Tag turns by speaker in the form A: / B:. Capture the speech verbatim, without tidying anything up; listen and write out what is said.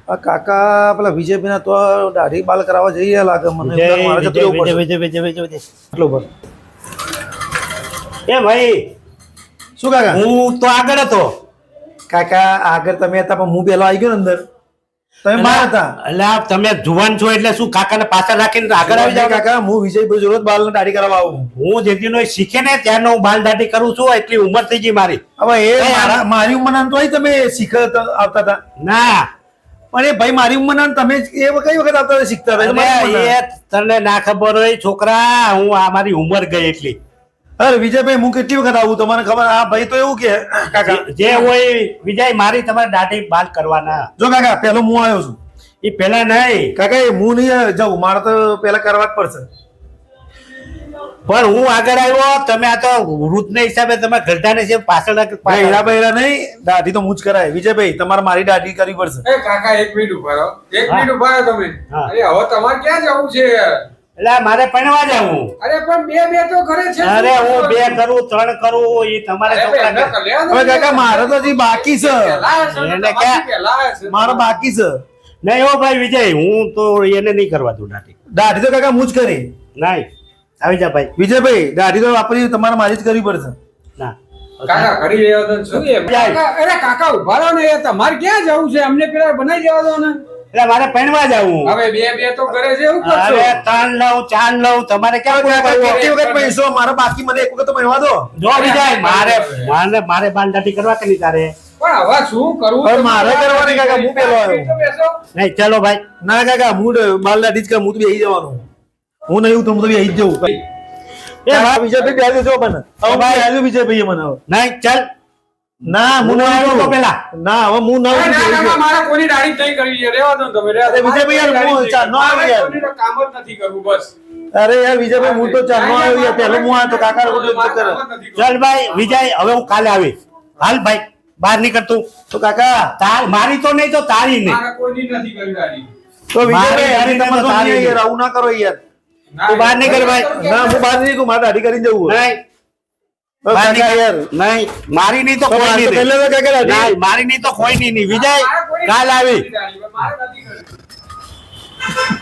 A: આ કાકા પેલા વિજયભાઈ ના તો દાઢી બાલ કરાવવા જઈએ લાગે મને મારે જતું રહેવું પડશે.
B: વિજય વિજય વિજય વિજય
A: આટલું પર
B: એ ભાઈ
A: શું કાકા
B: હું તો આગળ હતો
A: કાકા આગળ તમે હતા પણ હું પેલો આવી ગયો ને અંદર તમે બહાર હતા.
B: એટલે આ તમે જુવાન છો એટલે શું કાકાને પાછળ રાખીને આગળ આવી જાવ
A: કાકા હું વિજયભાઈ જોડે બાલ ને દાઢી કરાવવા આવું.
B: હું જેટલીનો એ શીખે ને ત્યારનો હું બાલ દાઢી કરું છું એટલી ઉંમર થઈ ગઈ મારી.
A: હવે એ મારા મારી ઉંમરના તો તમે શીખત આવતા હતા
B: ના
A: પણ એ ભાઈ મારી ઉંમરના તમે એ કઈ વખત આવતા હતા શીખતા હતા
B: અરે એ તને ના ખબર હોય છોકરા હું આ મારી ઉંમર ગઈ એટલી.
A: અરે વિજયભાઈ હું કેટલી વખત આવું તમને ખબર આ ભાઈ તો એવું કે કાકા
B: જે હોય વિજય મારી તમારે દાઢી બાલ કરવાના.
A: જો કાકા પેલો હું આવ્યો છું
B: એ પેલા નહીં
A: કાકા એ હું નહીં જાઉં મારે તો પેલા કરવા જ પડશે.
B: પણ હું આગળ આવ્યો તમે આ તો વૃદ્ધ હિસાબે તમે ગરધાને છે પાછળ
A: બૈરા બૈરા નહીં દાઢી તો હું જ કરાય. વિજયભાઈ તમારે મારી દાઢી કરવી પડશે.
C: એ કાકા એક મિનિટ ઉભા રહો એક
B: હા.
C: મિનિટ ઉભા રહો તમે
B: હા.
C: અરે હવે તમારે ક્યાં જવું છે
B: એટલે મારે પણવા જવું.
C: અરે પણ બે બે તો ઘરે છે
B: અરે હું બે કરું ત્રણ કરું એ તમારે
C: અરે
B: છોકરા
C: એમના કલ્યાણ
A: હવે કાકા મારે તો હજી બાકી છે
C: પહેલા હશે ને,
B: એને
C: તમારથી
B: ક્યાં?
C: પહેલા હશે.
A: મારે બાકી છે
B: નહીં હો ભાઈ વિજય હું તો એને નહીં કરવા દઉં દાઢી.
A: દાઢી તો કાકા હું જ કરી.
B: નહીં આવી જા ભાઈ.
A: વિજયભાઈ દાઢી તો આપણી તમારે મારી જ કરવી પડશે.
B: ના
C: કાકા કરી રહ્યો તો શું એમ
B: જાય.
C: કાકા, અરે કાકા ઉભા રહો ને એ તમારે ક્યાં જવું છે અમને પેલા બનાવી દેવા દો ને
B: એટલે મારે પણવા જવું.
C: હવે બે બે તો ઘરે છે એવું કરશો
B: અરે ત્રણ લઉં ચાર લઉં તમારે ક્યાં પૂરા
A: કાકા
B: કરવું?
A: કેટલી વખત પૈસો મારે બાકી મને એક વખત તો મળવા દો.
B: જો વિજય મારે મારે મારે બાલ દાઢી કરવા કે નહીં તારે?
C: પણ હવે શું કરવું
A: હવે મારે કરવાની કાકા, હું પેલો આવ્યો.
C: તો બેસો.
B: નહીં ચલો ભાઈ.
A: ના કાકા હું બાલ દાઢી જ કર હું તો બેસી જવાનું. હું નહીં હું તો બેસી જ જવું.
B: એ ભાઈ
A: વિજયભાઈ બેસી જો મને હવે
B: ભાઈ.
A: બેસી વિજયભાઈ મને હવે
B: નહીં ચાલ
A: ના હું
B: હું
A: નહીં
B: આવ્યો તો
A: આવું.
B: પેલા.
A: ના હવે હું ના
C: અરે
A: આવું,
C: ના,
A: બેસી
C: ના,
A: જાઉં.
C: મારે કોઈની દાઢી જ નહીં કરવી છે. રહેવા દો ને તમે, રહેવા દો.
A: અરે વિજયભાઈ યાર,
C: મારે
A: હું
C: કોઈની
A: ચાર નો
C: દાઢી
A: આવ્યો યાર.
C: કોઈનું કામ જ નથી કરવું બસ
A: અરે યાર વિજયભાઈ હું તો ચારનો આવ્યો યાર પહેલો હું આવ્યો તો કાકા રોડ
C: મારે
A: કરે
C: કામ જ નથી કરવું.
B: ચાલ ભાઈ વિજય હવે હું કાલે આવીશ. હાલ ભાઈ બહાર નીકળતું.
A: તો કાકા
B: તાર મારી તો નહીં તો તારી નહીં.
C: મારે કોઈની નથી કરવી દાઢી.
A: તો વિજયભાઈ
B: મારી
A: યાર તમે તો
B: તારી
A: નહીં યાર આવું ના કરો યાર.
C: ના,
B: તું બહાર નીકળ ભાઈ.
A: ના હું બહાર નહીં નીકળું, મારે દાઢી કરીને જવું હોય.
B: નહીં
A: તો
B: બહાર
A: કાકા
B: નીકળ.
A: યાર
B: નહીં મારી નહીં તો
A: તો
B: કોઈ
A: મારે તો
B: નહીં.
A: પહેલા તો કાકા દાઢી.
B: નહીં મારી નહીં તો કોઈ નહીં નહીં. વિજય
C: મારે કોઈની
B: કાલ આવી.
C: દાઢી, મારે નથી કરવી.